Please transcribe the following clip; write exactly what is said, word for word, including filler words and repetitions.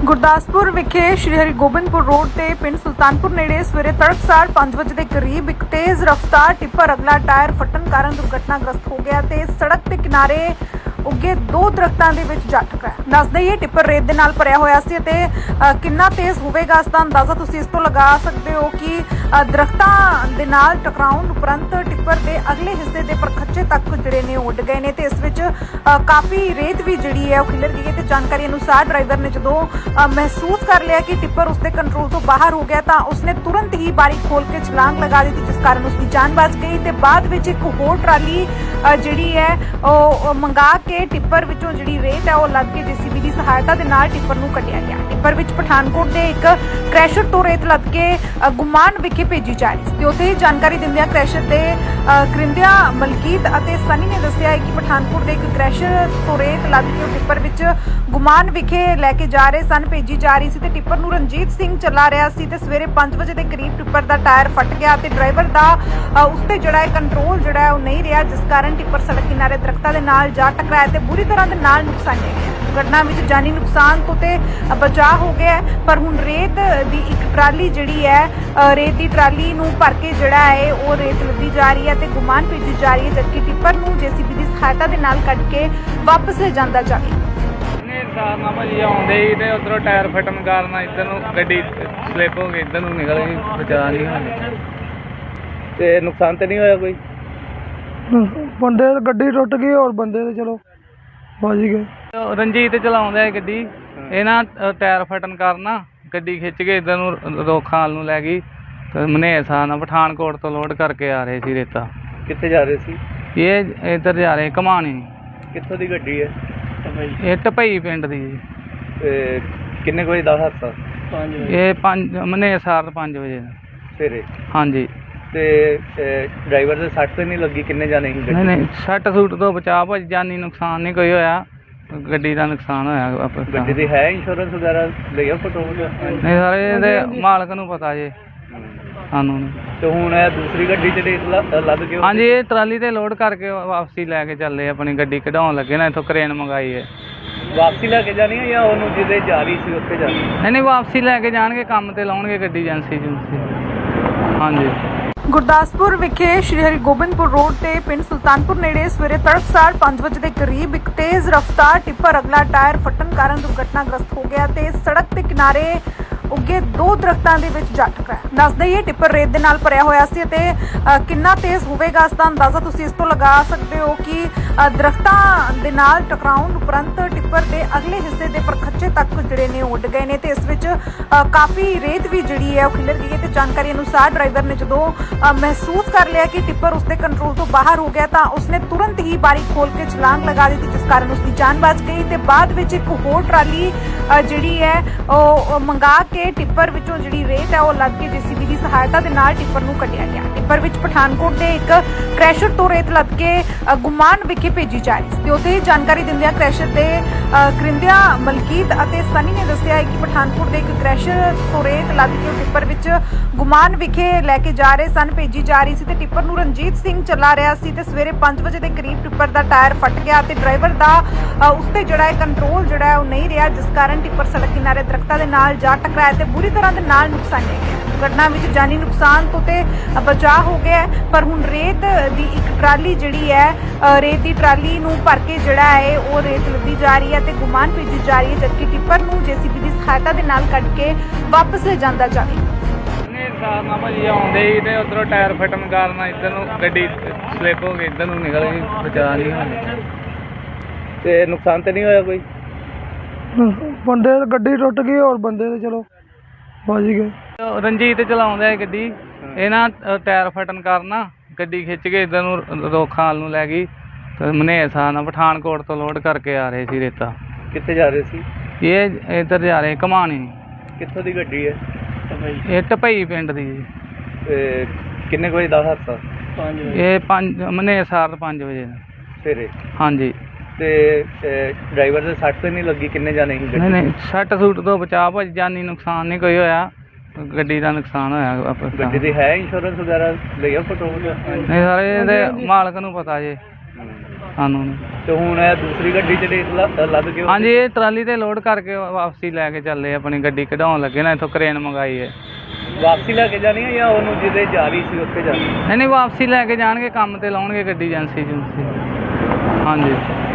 ਗੁਰਦਾਸਪੁਰ ਵਿਖੇ ਸ਼੍ਰੀ ਹਰਿਗੋਬਿੰਦਪੁਰ ਰੋਡ ਤੇ ਪਿੰਡ ਸੁਲਤਾਨਪੁਰ ਨੇੜੇ ਸਵੇਰੇ ਤੜਕਸਾਰ ਪੰਜ ਵਜੇ ਦੇ ਕਰੀਬ ਇੱਕ ਤੇਜ਼ ਰਫ਼ਤਾਰ ਟਿੱਪਰ ਅਗਲਾ ਟਾਇਰ ਫਟਣ ਕਾਰਨ ਦੁਰਘਟਨਾਗ੍ਰਸਤ ਹੋ ਗਿਆ ਤੇ ਸੜਕ ਦੇ ਕਿਨਾਰੇ ਉੱਗੇ ਦੋ ਦਰਖਤਾਂ ਦੇ ਵਿੱਚ ਜਾ ਟਕਰਾਇਆ। ਦੱਸ ਦਈਏ ਟਿੱਪਰ ਰੇਤ ਦੇ ਨਾਲ ਭਰਿਆ ਹੋਇਆ ਸੀ ਤੇ ਕਿੰਨਾ ਤੇਜ਼ ਹੋਵੇਗਾ ਇਸ ਦਾ ਅੰਦਾਜ਼ਾ ਤੁਸੀਂ ਇਸ ਤੋਂ ਲਗਾ ਸਕਦੇ ਹੋ ਕਿ ਦਰਖਤਾਂ ਦੇ ਨਾਲ ਟਕਰਾਉਣ ਉਪਰੰਤ ਟਿੱਪਰ ਦੇ ਅਗਲੇ ਹਿੱਸੇ ਦੇ ਪਰਖੱਚੇ ਤੱਕ ਜਿਹੜੇ ਨੇ ਉੱਡ ਗਏ ਨੇ ਤੇ ਇਸ ਵਿੱਚ ਕਾਫੀ ਰੇਤ ਵੀ ਜਿਹੜੀ ਹੈ ਉਹ ਖਿਲਰ ਗਈ ਹੈ ਤੇ ਜਾਣਕਾਰੀ ਅਨੁਸਾਰ ਡਰਾਈਵਰ ਨੇ ਜਦੋਂ ਮਹਿਸੂਸ ਕਰ ਲਿਆ ਕਿ ਟਿੱਪਰ ਉਸਦੇ ਕੰਟਰੋਲ ਤੋਂ ਬਾਹਰ ਹੋ ਗਿਆ ਤਾਂ ਉਸਨੇ ਤੁਰੰਤ ਹੀ ਬਾਰੀ ਖੋਲ ਕੇ ਛਲਾਂਗ ਲਗਾ ਦਿੱਤੀ, ਜਿਸ ਕਾਰਨ ਉਸਦੀ ਜਾਨ ਬਚ ਗਈ ਤੇ ਬਾਅਦ ਵਿੱਚ ਇੱਕ ਹੋਰ ਟਰਾਲੀ ਜਿਹੜੀ ਹੈ ਉਹ ਮੰਗਾ ਕੇ ਟਿੱਪਰ ਵਿੱਚੋਂ ਜਿਹੜੀ ਰੇਤ ਹੈ ਉਹ ਲੱਦ ਕੇ ਜੀਸੀਬੀ ਦੀ ਸਹਾਇਤਾ ਦੇ ਨਾਲ ਟਿੱਪਰ ਨੂੰ ਕੱਢਿਆ ਗਿਆ। ਟਿੱਪਰ ਵਿੱਚ ਪਠਾਨਕੋਟ ਦੇ ਇੱਕ ਕ੍ਰੈਸ਼ਰ ਤੋਂ ਰੇਤ ਲੱਦ ਕੇ ਗੁਮਾਨ ਵਿਖੇ ਭੇਜੀ ਜਾ ਰਹੀ ਸੀ ਤੇ ਉੱਥੇ ਹੀ ਜਾਣਕਾਰੀ ਦਿੰਦਿਆਂ ਕ੍ਰੈਸ਼ਰ ਦੇ ਕਰਿੰਦਿਆਂ ਮਲਕੀਤ ਅਤੇ ਸਨੀ ਨੇ ਦੱਸਿਆ ਕਿ ਪਠਾਨਕੋਟ ਦੇ ਇੱਕ ਕ੍ਰੈਸ਼ਰ ਤੋਂ ਰੇਤ ਲੱਦ ਕੇ ਉਹ ਟਿੱਪਰ ਵਿੱਚ ਗੁਮਾਨ ਵਿਖੇ ਲੈ ਕੇ ਜਾ ਰਹੇ ਸਨ ਭੇਜੀ ਜਾ ਰਹੀ ਸੀ ਤੇ ਟਿੱਪਰ ਨੂੰ ਰਣਜੀਤ ਸਿੰਘ ਚਲਾ ਰਿਹਾ ਸੀ ਤੇ ਸਵੇਰੇ ਪੰਜ ਵਜੇ ਦੇ ਕਰੀਬ ਟਿੱਪਰ ਦਾ ਟਾਇਰ ਫਟ ਗਿਆ ਤੇ ਡਰਾਈਵਰ ਦਾ ਉਸ ਤੇ ਜਿਹੜਾ ਹੈ ਕੰਟਰੋਲ ਜਿਹੜਾ ਹੈ ਉਹ ਨਹੀਂ ਰਿਹਾ, ਜਿਸ ਕਾਰਨ ਟਿੱਪਰ ਸੜਕ ਕਿਨਾਰੇ ਦਰਖਤਾਂ ਦੇ ਨਾਲ ਜਾ ਟਕਰਾਇਆ ਤੇ ਬੁਰੀ ਤਰ੍ਹਾਂ ਦੇ ਨਾਲ ਨੁਕਸਾਨਿਆ ਗਿਆ। ਘਟਨਾ ਵਿੱਚ ਜਾਨੀ ਨੁਕਸਾਨ ਤੋਂ ਤੇ ਬਚਾਅ ਹੋ ਗਿਆ, ਪਰ ਹੁਣ ਰੇਤ ਦੀ ਇੱਕ ਟਰਾਲੀ ਜਿਹੜੀ ਹੈ ਰੇਤ ਦੀ ਟਰਾਲੀ ਨੂੰ ਭਰ ਕੇ ਜਿਹੜਾ ਹੈ ਉਹ ਰੇਤ ਲੱਦੀ ਜਾ ਰਹੀ ਹੈ ਤੇ ਗੁਮਾਨ ਭੇਜੀ ਜਾ ਰਹੀ ਹੈ, ਜਦਕਿ ਟਿੱਪਰ ਨੂੰ ਜੀਸੀਬੀ ਦੀ ਸਹਾਇਤਾ ਦੇ ਨਾਲ ਕੱਢ ਕੇ ਵਾਪਸ ਲੈ ਜਾਂਦਾ ਜਾਵੇ। ਸਾਰ ਨਾ ਭਾਜੀ ਆਉਂਦੇ ਹੀ ਤੇ ਉਧਰੋਂ ਟਾਇਰ ਫਟਣ ਕਾਰਨ ਇੱਧਰ ਨੂੰ ਗੱਡੀ ਸਲਿੱਪ ਹੋ ਗਈ, ਇੱਧਰ ਨੂੰ ਨਿਕਲ ਗਈ, ਬਚਾ ਨਹੀਂ ਹੋਇਆ। ਤੇ ਨੁਕਸਾਨ ਤੇ ਨਹੀਂ ਹੋਇਆ ਕੋਈ? ਬੰਦੇ ਗੱਡੀ ਟੁੱਟ ਗਈ ਔਰ ਬੰਦੇ ਤੇ ਚਲੋ ਬਚ ਗਏ। ਰਣਜੀਤ ਚਲਾਉਂਦਾ ਹੈ ਗੱਡੀ, ਇਹ ਨਾ ਟਾਇਰ ਫਟਣ ਕਾਰਨ ਨਾ ਗੱਡੀ ਖਿੱਚ ਕੇ ਇੱਧਰ ਨੂੰ ਰੋਖਾਲ ਨੂੰ ਲੈ ਗਈ ਤੇ ਮਨੇਸਾ ਨਾਲ ਪਠਾਨਕੋਟ ਤੋਂ ਲੋਡ ਕਰਕੇ ਆ ਰਹੇ ਸੀ ਰੇਤਾ। ਕਿੱਥੇ ਜਾ ਰਹੇ ਸੀ? ਇਹ ਇੱਧਰ ਜਾ ਰਹੇ ਘਮਾਣੀ। ਕਿੱਥੋਂ ਦੀ ਗੱਡੀ ਹੈ? ਇਹ ਟਪਈ ਪਿੰਡ ਦੀ ਜੀ। ਤੇ ਕਿੰਨੇ ਵਜੇ ਦਾ ਹਾਦਸਾ? ਇਹ ਪੰਜ ਮਨੇਸਾਰ ਪੰਜ ਵਜੇ ਸਵੇਰੇ। ਹਾਂਜੀ। ਤੇ ਡਰਾਈਵਰ ਦੇ ਸੱਟ ਤੇ ਨਹੀਂ ਲੱਗੀ? ਕਿੰਨੇ ਜਾਣੇ ਸੀ? ਨਹੀਂ ਨਹੀਂ ਸੱਟ ਸੂਟ ਤੋਂ ਬਚਾਅ ਭਾਜੀ, ਜਾਨੀ ਨੁਕਸਾਨ ਨਹੀਂ ਕੋਈ ਹੋਇਆ, ਗੱਡੀ ਦਾ ਨੁਕਸਾਨ ਹੋਇਆ। ਗੱਡੀ ਦੀ ਹੈ ਇੰਸ਼ੋਰੈਂਸ ਵਗੈਰਾ ਲਿਆ ਫੋਟੋ? ਨਹੀਂ ਸਾਰੇ ਇਹਦੇ ਮਾਲਕ ਨੂੰ ਪਤਾ ਜੇ, ਸਾਨੂੰ ਨਹੀਂ। ਤੇ ਹੁਣ ਇਹ ਦੂਸਰੀ ਗੱਡੀ ਚ ਰੇਤ ਲੱਦ ਕੇ? ਹਾਂਜੀ, ਇਹ ਟਰਾਲੀ ਤੇ ਲੋਡ ਕਰਕੇ ਵਾਪਸੀ ਲੈ ਕੇ ਚੱਲੇ, ਆਪਣੀ ਗੱਡੀ ਕਢਾਉਣ ਲੱਗੇ ਨਾ, ਇੱਥੋਂ ਕਰੇਨ ਮੰਗਾਈ ਹੈ। ਵਾਪਸੀ ਲੈ ਕੇ ਜਾਣੀ ਹੈ ਜਾਂ ਉਹਨੂੰ ਜਿਹਦੇ ਜਾ ਰਹੀ ਸੀ ਉੱਥੇ ਜਾਣੀ? ਨਹੀਂ ਨਹੀਂ ਵਾਪਸੀ ਲੈ ਕੇ ਜਾਣਗੇ, ਕੰਮ ਤੇ ਲਾਉਣਗੇ ਗੱਡੀ ਏਜੰਸੀ ਏਜੰਸੀ। ਹਾਂਜੀ। ਗੁਰਦਾਸਪੁਰ ਵਿਖੇ ਸ਼੍ਰੀ ਹਰਿਗੋਬਿੰਦਪੁਰ ਰੋਡ ਤੇ ਪਿੰਡ ਸੁਲਤਾਨਪੁਰ ਨੇੜੇ ਸਵੇਰੇ ਤੜਕਸਾਰ ਪੰਜ ਵਜੇ ਦੇ ਕਰੀਬ ਇੱਕ ਤੇਜ਼ ਰਫ਼ਤਾਰ ਟਿੱਪਰ ਅਗਲਾ ਟਾਇਰ ਫਟਣ ਕਾਰਨ ਦੁਰਘਟਨਾਗ੍ਰਸਤ ਹੋ ਗਿਆ ਤੇ ਸੜਕ ਦੇ ਕਿਨਾਰੇ ਉੱਗੇ ਦੋ ਦਰਖਤਾਂ ਦੇ ਵਿੱਚ ਜਾ ਟਕਰਾਇਆ। ਦੱਸ ਦਈਏ ਟਿੱਪਰ ਰੇਤ ਦੇ ਨਾਲ ਭਰਿਆ ਹੋਇਆ ਸੀ ਤੇ ਕਿੰਨਾ ਤੇਜ਼ ਹੋਵੇਗਾ ਇਸ ਦਾ ਅੰਦਾਜ਼ਾ ਤੁਸੀਂ ਇਸ ਤੋਂ ਲਗਾ ਸਕਦੇ ਹੋ ਕਿ ਦਰਖਤਾਂ ਦੇ ਨਾਲ ਟਕਰਾਉਣ ਉਪਰੰਤ ਟਿੱਪਰ ਦੇ ਅਗਲੇ ਹਿੱਸੇ ਦੇ ਪਰਖੱਚੇ ਤੱਕ ਜਿਹੜੇ ਨੇ ਉੱਡ ਗਏ ਨੇ ਤੇ ਇਸ ਵਿੱਚ ਕਾਫੀ ਰੇਤ ਵੀ ਜਿਹੜੀ ਹੈ ਉਹ ਖਿਲਰ ਗਈ ਹੈ ਤੇ ਜਾਣਕਾਰੀ ਅਨੁਸਾਰ ਡਰਾਈਵਰ ਨੇ ਜਦੋਂ ਮਹਿਸੂਸ ਕਰ ਲਿਆ ਕਿ ਟਿੱਪਰ ਉਸਦੇ ਕੰਟਰੋਲ ਤੋਂ ਬਾਹਰ ਹੋ ਗਿਆ ਤਾਂ ਉਸਨੇ ਤੁਰੰਤ ਹੀ ਬਾਰੀ ਖੋਲ ਕੇ ਛਲਾਂਗ ਲਗਾ ਦਿੱਤੀ, ਜਿਸ ਕਾਰਨ ਉਸਦੀ ਜਾਨ ਬਚ ਗਈ ਤੇ ਬਾਅਦ ਵਿੱਚ ਇੱਕ ਹੋਰ ਟਰਾਲੀ ਜਿਹੜੀ ਹੈ ਉਹ ਮੰਗਾ ਕੇ ਟਿੱਪਰ ਵਿੱਚੋਂ ਜਿਹੜੀ ਰੇਤ ਹੈ ਉਹ ਲੱਦ ਕੇ ਜੀਸੀਬੀ ਦੀ ਸਹਾਇਤਾ ਦੇ ਨਾਲ ਟਿੱਪਰ ਨੂੰ ਕੱਢਿਆ ਗਿਆ। ਟਿੱਪਰ ਵਿੱਚ ਪਠਾਨਕੋਟ ਦੇ ਇੱਕ ਕ੍ਰੈਸ਼ਰ ਤੋਂ ਰੇਤ ਲੱਦ ਕੇ ਗੁਮਾਨ ਵਿਖੇ ਭੇਜੀ ਜਾ ਰਹੀ ਸੀ ਤੇ ਉੱਥੇ ਹੀ ਜਾਣਕਾਰੀ ਦਿੰਦਿਆਂ ਕ੍ਰੈਸ਼ਰ ਦੇ ਕਰਿੰਦਿਆਂ ਮਲਕੀਤ ਅਤੇ ਸਨੀ ਨੇ ਦੱਸਿਆ ਕਿ ਪਠਾਨਕੋਟ ਦੇ ਇੱਕ ਕ੍ਰੈਸ਼ਰ ਤੋਂ ਰੇਤ ਲੱਦ ਕੇ ਟਿੱਪਰ ਵਿੱਚ ਗੁਮਾਨ ਵਿਖੇ ਲੈ ਕੇ ਜਾ ਰਹੇ ਸਨ ਭੇਜੀ ਜਾ ਰਹੀ ਸੀ ਤੇ ਟਿੱਪਰ ਨੂੰ ਰਣਜੀਤ ਸਿੰਘ ਚਲਾ ਰਿਹਾ ਸੀ ਤੇ ਸਵੇਰੇ ਪੰਜ ਵਜੇ ਦੇ ਕਰੀਬ ਟਿੱਪਰ ਦਾ ਟਾਇਰ ਫਟ ਗਿਆ ਤੇ ਡਰਾਈਵਰ ਦਾ ਉਸ ਤੇ ਜਿਹੜਾ ਹੈ ਕੰਟਰੋਲ ਜਿਹੜਾ ਹੈ ਉਹ ਨਹੀਂ ਰਿਹਾ, ਜਿਸ ਕਾਰਨ ਟਿੱਪਰ ਸੜਕ ਕਿਨਾਰੇ ਦਰਖਤਾਂ ਦੇ ਨਾਲ ਜਾ ਟਕਰਾਇਆ ਤੇ ਬੁਰੀ ਤਰ੍ਹਾਂ ਦੇ ਨਾਲ ਨੁਕਸਾਨਿਆ ਗਿਆ। ਘਟਨਾ ਵਿੱਚ ਜਾਨੀ ਨੁਕਸਾਨ ਤੋਂ ਤੇ ਬਚਾਅ ਹੋ ਗਿਆ, ਪਰ ਹੁਣ ਰੇਤ ਦੀ ਇੱਕ ਟਰਾਲੀ ਜਿਹੜੀ ਹੈ ਰੇਤ ਦੀ ਟਰਾਲੀ ਨੂੰ ਭਰ ਕੇ ਜਿਹੜਾ ਹੈ ਉਹ ਰੇਤ ਲੱਦੀ ਜਾ ਰਹੀ ਹੈ ਤੇ ਗੁਮਾਨ ਭੇਜੀ ਜਾ ਰਹੀ ਹੈ, ਜਦਕਿ ਟਿੱਪਰ ਨੂੰ ਜੀਸੀਬੀ ਦੀ ਸਹਾਇਤਾ ਦੇ ਨਾਲ ਕੱਢ ਕੇ ਵਾਪਸ ਲੈ ਜਾਂਦਾ ਜਾਵੇ। ਸਾਰ ਨਾ ਭਾਜੀ ਆਉਂਦੇ ਹੀ ਤੇ ਉਧਰੋਂ ਟਾਇਰ ਫਟਣ ਕਾਰਨ ਇੱਧਰ ਨੂੰ ਗੱਡੀ ਸਲਿੱਪ ਹੋ ਗਈ, ਇੱਧਰ ਨੂੰ ਨਿਕਲ ਗਈ, ਬਚਾ ਨਹੀਂ ਹੋਇਆ। ਤੇ ਨੁਕਸਾਨ ਤੇ ਨਹੀਂ ਹੋਇਆ ਕੋਈ? ਬੰਦੇ ਗੱਡੀ ਟੁੱਟ ਗਈ ਔਰ ਬੰਦੇ ਤੇ ਚਲੋ ਬਚ ਗਏ। ਰਣਜੀਤ ਚਲਾਉਂਦਾ ਹੈ ਗੱਡੀ, ਇਹ ਨਾ ਟਾਇਰ ਫਟਣ ਕਾਰਨ ਨਾ ਗੱਡੀ ਖਿੱਚ ਕੇ ਇੱਧਰ ਨੂੰ ਰੋਖਾਲ ਨੂੰ ਲੈ ਗਈ ਤੇ ਮਨੇਸਾ ਨਾਲ ਪਠਾਨਕੋਟ ਤੋਂ ਲੋਡ ਕਰਕੇ ਆ ਰਹੇ ਸੀ ਰੇਤਾ। ਕਿੱਥੇ ਜਾ ਰਹੇ ਸੀ? ਇਹ ਇੱਧਰ ਜਾ ਰਹੇ ਘਮਾਣੀ। ਕਿੱਥੋਂ ਦੀ ਗੱਡੀ ਹੈ? ਇਹ ਟਪਈ ਪਿੰਡ ਦੀ ਜੀ। ਤੇ ਕਿੰਨੇ ਵਜੇ ਦਾ ਹਾਦਸਾ? ਇਹ ਪੰਜ ਮਨੇਸਾਰ ਪੰਜ ਵਜੇ ਸਵੇਰੇ। ਹਾਂਜੀ। ਤੇ ਡਰਾਈਵਰ ਦੇ ਸੱਟ ਤੇ ਨਹੀਂ ਲੱਗੀ? ਕਿੰਨੇ ਜਾਣੇ ਸੀ? ਨਹੀਂ ਨਹੀਂ ਸੱਟ ਸੂਟ ਤੋਂ ਬਚਾਅ ਭਾਜੀ, ਜਾਨੀ ਨੁਕਸਾਨ ਨਹੀਂ ਕੋਈ ਹੋਇਆ, ਗੱਡੀ ਦਾ ਨੁਕਸਾਨ ਹੋਇਆ। ਗੱਡੀ ਦੀ ਹੈ ਇੰਸ਼ੋਰੈਂਸ ਵਗੈਰਾ ਲਿਆ ਫੋਟੋ? ਨਹੀਂ ਸਾਰੇ ਇਹਦੇ ਮਾਲਕ ਨੂੰ ਪਤਾ ਜੇ। ਸਾਨੂੰ ਨਹੀਂ। ਤੇ ਹੁਣ ਇਹ ਦੂਸਰੀ ਗੱਡੀ 'ਚ ਰੇਤ ਲ- ਲੱਦ ਕੇ ਹਾਂਜੀ ਇਹ ਟਰਾਲੀ ਤੇ ਲੋਡ ਕਰਕੇ ਵਾਪਸੀ ਲੈ ਕੇ ਚੱਲੇ ਆਪਣੀ ਗੱਡੀ ਕਢਾਉਣ ਲੱਗੇ ਨਾ, ਇੱਥੋਂ ਕਰੇਨ ਮੰਗਾਈ ਹੈ। ਵਾਪਸੀ ਲੈ ਕੇ ਜਾਣੀ ਹੈ ਜਾਂ ਉਹਨੂੰ ਜਿਹਦੇ ਜਾ ਰਹੀ ਸੀ ਉੱਥੇ ਜਾਣੀ? ਨਹੀਂ ਨਹੀਂ ਵਾਪਸੀ ਲੈ ਕੇ ਜਾਣਗੇ, ਕੰਮ ਤੇ ਲਾਉਣਗੇ ਗੱਡੀ ਏਜੰਸੀ ਏਜੰਸੀ। ਹਾਂਜੀ।